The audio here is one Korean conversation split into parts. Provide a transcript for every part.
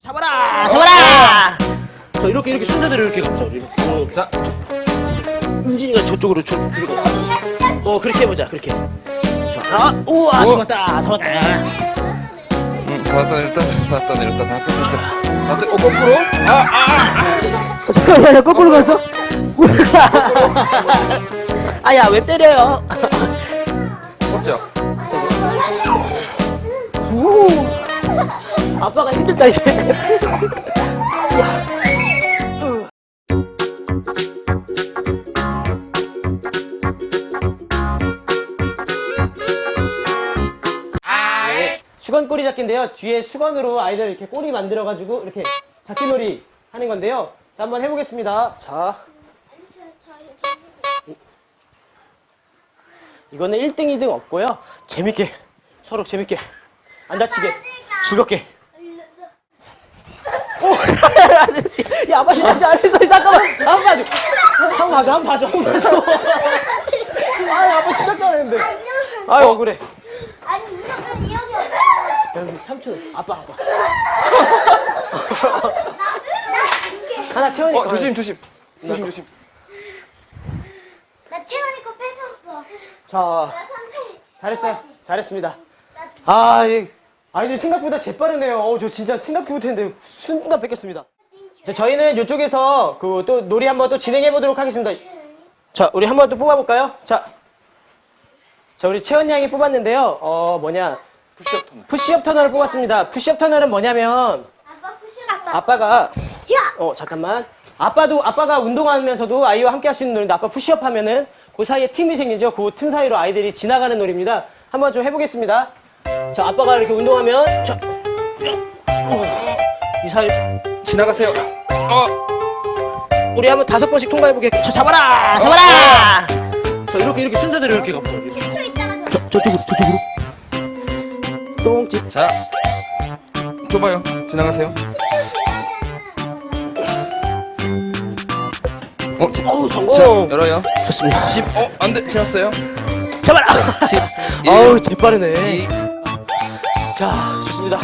잡아라! 잡아라! 자, 이렇게 순서대로 이렇게 가보자. 이렇게. 자, 은진이가 저쪽으로 그렇게 해보자. 그렇게. 자, 우와, 잡았다. 잡았다. 받았다 내렸다 거꾸로. 잠깐만, 거꾸로 갔어? 아야, 왜 때려요? 꺾죠. 오, 아빠가 힘들다 이제. 수건 꼬리 잡기인데요. 뒤에 수건으로 아이들 이렇게 꼬리 만들어가지고 이렇게 잡기놀이 하는 건데요. 자, 한번 해보겠습니다. 자, 이거는 1등, 2등 없고요. 재밌게, 서로 재밌게, 안 다치게, 즐겁게. 오! 야, 아빠 진짜 안 했어. 잠깐만. 한 번 봐줘. 한 번 봐줘. 아, 아빠 시작도 안 했는데. 아유, 억울해. 아니 무조건 기억이 없어. 여기 삼촌, 아빠. 나 하나 채원이 거. 조심. 나 채원이 거 뺏었어. 자, 나 삼촌이. 잘했어요. 잘했습니다. 아, 아이들 생각보다 재빠르네요. 저 진짜 생각도 못했는데 순간 뺏겼습니다. 자, 저희는 이쪽에서 그 또 놀이 한번 또 진행해 보도록 하겠습니다. 자, 우리 한번 또 뽑아볼까요? 자, 우리 채원 양이 뽑았는데요. 푸시업 터널을 뽑았습니다. 푸시업 터널은 뭐냐면 아빠 푸시. 아빠가 잠깐만. 아빠가 운동하면서도 아이와 함께 할 수 있는 놀이인데 아빠 푸시업 하면은 그 사이에 팀이 생기죠. 그 틈 사이로 아이들이 지나가는 놀이입니다. 한번 좀 해보겠습니다. 자, 아빠가 이렇게 운동하면 이 사이 지나가세요. 우리 한번 5번씩 통과해보게. 저 잡아라! 잡아라! 자, 이렇게 순서대로 이렇게 가보자. 10초 있잖아. 저쪽으로. 똥집. 자, 좁아요. 지나가세요. 성공! 자, 열어요. 좋습니다. 10. 안 돼. 지났어요. 잡아라! 10. 어우, 재빠르네. 2. 자, 좋습니다.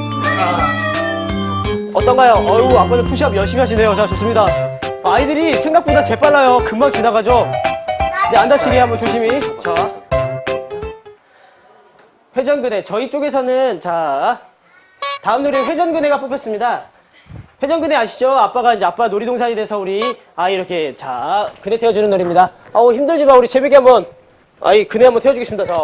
어떤가요? 어우, 아빠는 푸시업 열심히 하시네요. 자, 좋습니다. 아이들이 생각보다 재빨라요. 금방 지나가죠? 네, 안 다치게 한번 조심히. 자. 회전근해. 저희 쪽에서는, 자, 다음 놀이 회전근해가 뽑혔습니다. 회전근해 아시죠? 아빠가 이제 아빠 놀이동산이 돼서 우리 아이 이렇게, 자, 근해 태워주는 놀이입니다. 아우, 힘들지만 우리 재밌게 한번, 아이, 근해 한번 태워주겠습니다. 자.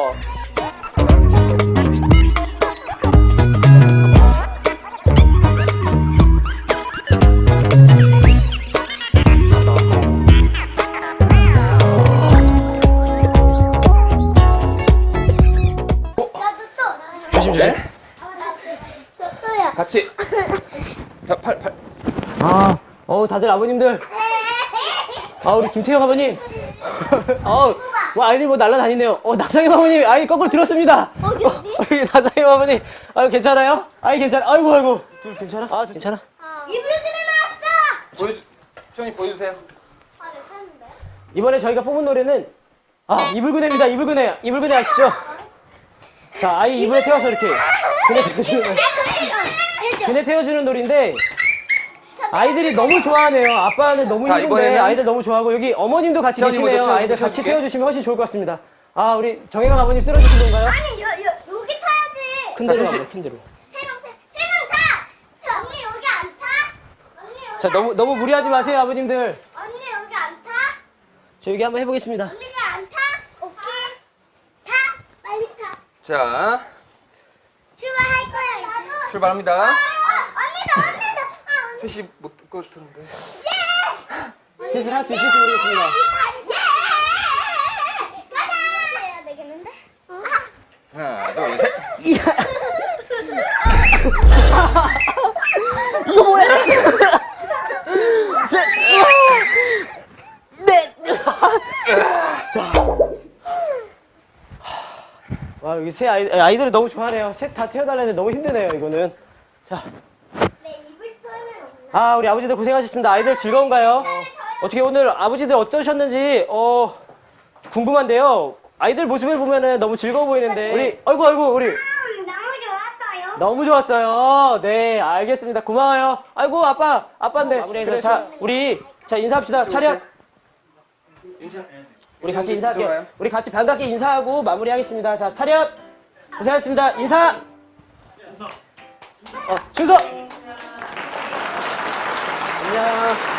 나도 또. 조심. 나 또야. 같이. 팔. 다들 아버님들. 우리 김태형 아버님. 아이들 뭐 날라다니네요. 나상임 아버님, 아이 거꾸로 들었습니다. 어디? 나상임 아버님, 괜찮아요? 아이 괜찮아. 아이고. 둘 괜찮아? 괜찮아. 이불들이 나왔어. 채원이 보여주세요. 괜찮은데? 이번에 저희가 뽑은 노래는 이불그네입니다. 이불그네 아시죠? 자, 아이 이불에 태워서 이렇게 그네 태워주는 놀인데 아이들이 너무 좋아하네요. 아빠는 너무 자, 힘든데 이번에는 아이들 너무 좋아하고 여기 어머님도 같이 채원이 계시네요. 먼저 아이들 같이 채워줄게. 태워주시면 훨씬 좋을 것 같습니다. 우리 정혜강 아버님 쓸어주신 건가요? 아니 여기 타야지. 큰 데로 셋이. 가요, 큰 데로. 세 명 타. 언니 여기 안 타? 언니 여기. 자, 너무 무리하지 마세요, 아버님들. 언니 여기 안 타? 저 여기 한번 해보겠습니다. 언니가 안 타? 오케이. 타. 빨리 타. 자, 출발할 거야. 나도. 출발합니다. 언니다. 셋이 못 듣고 듣는데. 셋을 할 수 있을지 모르겠습니다. 가자. 해야 되겠는데? 하나, 둘, 셋. 이거 뭐야? 셋, 넷. 자, 여기 새 아이들을 너무 좋아하네요. 셋 다 태워달라는데 너무 힘드네요. 이거는. 자, 내 이불 처음엔 없나? 우리 아버지들 고생하셨습니다. 아이들 즐거운가요? 어떻게 오늘 아버지들 어떠셨는지 궁금한데요. 아이들 모습을 보면은 너무 즐거워 보이는데 우리 아이고 우리 너무 좋았어요. 너무 좋았어요. 네, 알겠습니다. 고마워요. 아이고, 아빠인데. 마무리해서 자, 우리 자 인사합시다. 차렷. 윤찬. 우리 같이 이쪽으로 인사할게요. 와요. 우리 같이 반갑게 인사하고 마무리하겠습니다. 자, 차렷. 고생하셨습니다. 인사. 준서. 안녕.